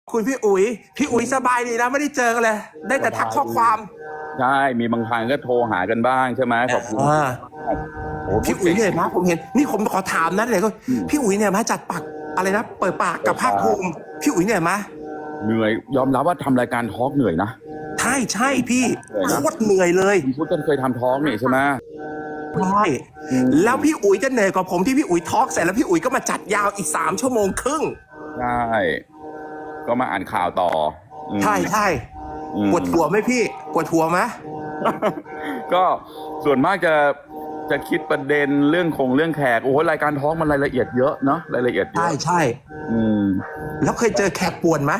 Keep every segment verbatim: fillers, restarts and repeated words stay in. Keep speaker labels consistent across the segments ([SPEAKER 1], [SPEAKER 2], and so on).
[SPEAKER 1] คุณพี่อุ๋ยพี่อุ๋ยสบายดีนะไม่ได้เจอกันเลยได้แต่ทักข้อความ
[SPEAKER 2] ใช่มีบางครั้งก็โทรหากันบ้างใช่ไหมขอบคุณ
[SPEAKER 1] พี่อุ๋ยเหนื่อยมากผมเห็นนี่ผมขอถามนะเลยก็พี่อุ๋ยเนี่ยมาจัดปักอะไรนะเปิดปากกับภาคภูมิพี่อุ๋ยเหนื่อยไหม
[SPEAKER 2] เหนื่อยยอมรับว่าทำรายการทอล์กเหนื่อยนะ
[SPEAKER 1] ใช่ใช่พี่โคตรเหนื่อยเลย
[SPEAKER 2] พี่พุทธเคยทำทอล์กนี่ใช่ไหม
[SPEAKER 1] ใช่แล้วพี่อุ๋ยจะเหนื่อยกว่าผมที่พี่อุ๋ยทอล์กเสร็จแล้วพี่อุ๋ยก็มาจัดยาวอีกสามชั่วโมงครึ่ง
[SPEAKER 2] ใช่ก็มาอ่านข่าวต่อ
[SPEAKER 1] ใช่ใช่ปวดหัวไหมพี่ปวดหัวไหม
[SPEAKER 2] ก็ส่วนมากจะจะคิดประเด็นเรื่องคงเรื่องแขกโอ้โหรายการท้องมันรายละเอียดเยอะเนาะรายละเอียดเยอะ
[SPEAKER 1] ใช่ใช่
[SPEAKER 2] อืม
[SPEAKER 1] แล้วเคยเจอแขกป่วนไหม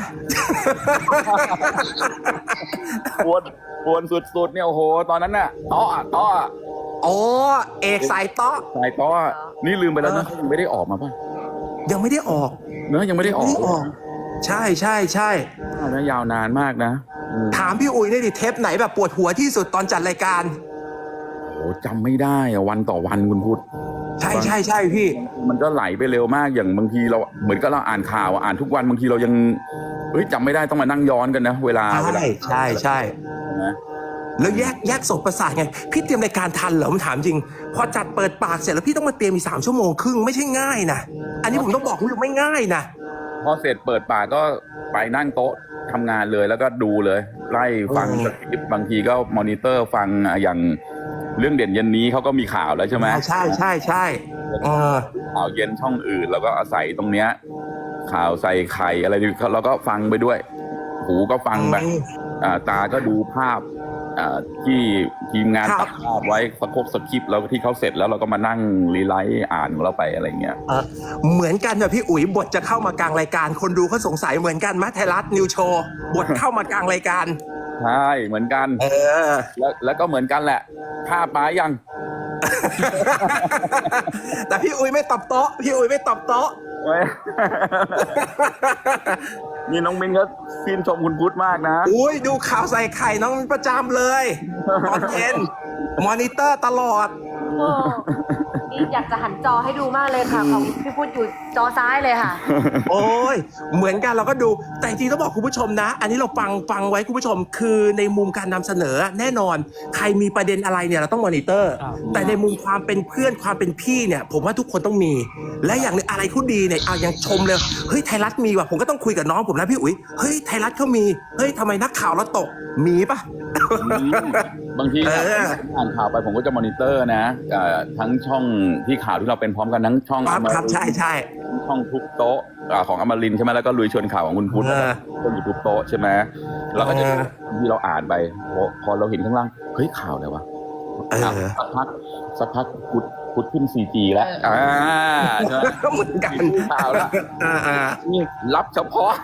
[SPEAKER 2] ป่วนป่วนสุดๆเนี่ยโอ้โหตอนนั้นน่ะต้อต้อ
[SPEAKER 1] โอ้เอกสายต้อ
[SPEAKER 2] สายต้อนี่ลืมไปแล้วนะยังไม่ได้ออกมาป่ะ
[SPEAKER 1] ยังไม่ได้ออก
[SPEAKER 2] เนอะยังไม่ได้ออก
[SPEAKER 1] ใช่ใช่ใช่
[SPEAKER 2] นะยาวนานมากนะ
[SPEAKER 1] ถามพี่อุ๋ยได้ดิเทปไหนแบบปวดหัวที่สุดตอนจัดรายการ
[SPEAKER 2] โอ้จำไม่ได้อะวันต่อวันคุณพุทธ
[SPEAKER 1] ใช่ใช่ใช่พี่
[SPEAKER 2] มันก็ไหลไปเร็วมากอย่างบางทีเราเหมือนกับเราอ่านข่าวอ่านทุกวันบางทีเรายังเฮ้ยจำไม่ได้ต้องมานั่งย้อนกันนะเวลา
[SPEAKER 1] ใช่ใช่ใช่
[SPEAKER 2] นะ
[SPEAKER 1] แล้วแยกแยกส่งประสาทไงพี่เตรียมรายการทันเหรอผมถามจริงพอจัดเปิดปากเสร็จแล้วพี่ต้องมาเตรียมอีกสามชั่วโมงครึ่งไม่ใช่ง่ายนะอันนี้ผมต้องบอกคุณผู้ชมไม่ง่ายนะ
[SPEAKER 2] พอเสร็จเปิดปากก็ไปนั่งโต๊ะทำงานเลยแล้วก็ดูเลยไล่ฟังสคริปต์บางทีก็มอนิเตอร์ฟังอย่างเรื่องเด่นเย็นนี้เขาก็มีข่าวแล้วใช่ไหม
[SPEAKER 1] ใช่ใช่ใช่
[SPEAKER 2] ข่าวเย็นช่องอื่นแล้วก็อาศัยตรงเนี้ยข่าวใส่ไข่อะไรเราก็ฟังไปด้วยหูก็ฟังไปตาก็ดูภาพที่ทีมงานตัดภาพไว้สกบสคริปต์แล้วที่เขาเสร็จแล้วเราก็มานั่งรีไลท์อ่านของเราไปอะไรเงี้ย
[SPEAKER 1] เหมือนกันนะพี่อุ๋ยบทจะเข้ามากลางรายการคนดูเขาสงสัยเหมือนกันมั้ยไทยรัฐนิวโชว์บทเข้ามากลางรายการ
[SPEAKER 2] ใช่เหมือนกันเออแล้วแล้วก็เหมือนกันแหละภาพมายัง
[SPEAKER 1] แต่พี่อุ๋ยไม่ตอบโต๊ะพี่อุ๋ยไม่ตอบโต๊ะ
[SPEAKER 2] นี่น้องมินก็ชื่นชมคุณพุทธมากนะ
[SPEAKER 1] อุ้ยดูข่าวใส่ไข่น้องประจำเลยตอนเย็นมอนิเตอร์ตลอด
[SPEAKER 3] นี่อยากจะหันจอให้ดูมากเลยค่ะของพี่พุทธอยู่จอซ้ายเลยค่ะ
[SPEAKER 1] โอ้ยเหมือนกันเราก็ดูแต่จริงต้องบอกคุณผู้ชมนะอันนี้เราฟังฟังไว้คุณผู้ชมคือในมุมการนำเสนอแน่นอนใครมีประเด็นอะไรเนี่ยเราต้องมอนิเตอร์แต่ในมุมความเป็นเพื่อนความเป็นพี่เนี่ยผมว่าทุกคนต้องมีและอย่างนึงอะไรเขาดีเนี่ยเอายังชมเลยเฮ้ยไทยรัฐมีว่ะผมก็ต้องคุยกับน้องผมนะพี่อุ๋ยเฮ้ยไทยรัฐเขามีเฮ้ยทำไมนักข่าวเราตกมีปะ
[SPEAKER 2] บางทีอ่านข่าวไปผมก็จะมอนิเตอร์นะทั้งช่องที่ข่าวที่เราเป็นพร้อมกันทั้งช่อง
[SPEAKER 1] ครับใช่ใช่
[SPEAKER 2] ช่องทุกโต๊ะของอมรินทร์ใช่ไหมแล้วก็ลุยชวนข่าวของคุณพุทธก็อยู่ทุกโต๊ะใช่ไหมแล้วก็จะที่เราอ่านไปพอเราเห็นข้างล่างเฮ้ยข่าวอะไรวะสักพักสักพักพุทธพุทธขึ้น ซี จี แล้วอ่า
[SPEAKER 1] เหมือนกัน
[SPEAKER 2] ข่าวแล้วนี่รับเฉพาะ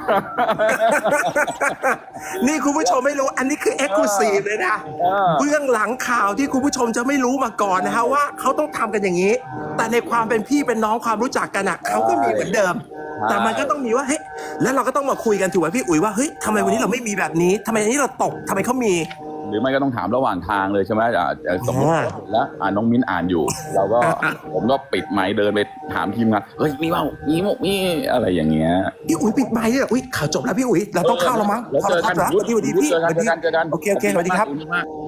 [SPEAKER 1] นี่คุณผู้ชมไม่รู้อันนี้คือเอ็กซ์คลูซีฟเลยนะเบื้องหลังข่าวที่คุณผู้ชมจะไม่รู้มาก่อนนะฮะว่าเขาต้องทำกันอย่างนี้แต่ในความเป็นพี่เป็นน้องความรู้จักกันอ่ะเขาก็มีเหมือนเดิมแต่มันก็ต้องมีว่าเฮ้ยแล้วเราก็ต้องมาคุยกันถูกไหมพี่อุ๋ยว่าเฮ้ยทำไมวันนี้เราไม่มีแบบนี้ทำไมวันนี้เราตกทำไมเขามี
[SPEAKER 2] หรือไม่ก็ต้องถามระหว่างทางเลยใช่ไหมสมมติแล้วอ่านน้องมิ้นอ่านอยู่เราก็ผมก็ปิดไมค์เดินไปถามทีมงานเฮ้ยมีเปล่ามีมุกมีอะไรอย่างเงี้ย
[SPEAKER 1] พี่อุ๋ยปิดไมค์เนี่ยอุ้ยข่าวจบแล้วพี่อุ๋ยเราต้องเข้าแล้วมั้ง
[SPEAKER 2] แล้วเจอกัน
[SPEAKER 1] สวัสดีพี่สวัสดีพี่โอเคโอเคสวัสดีครับ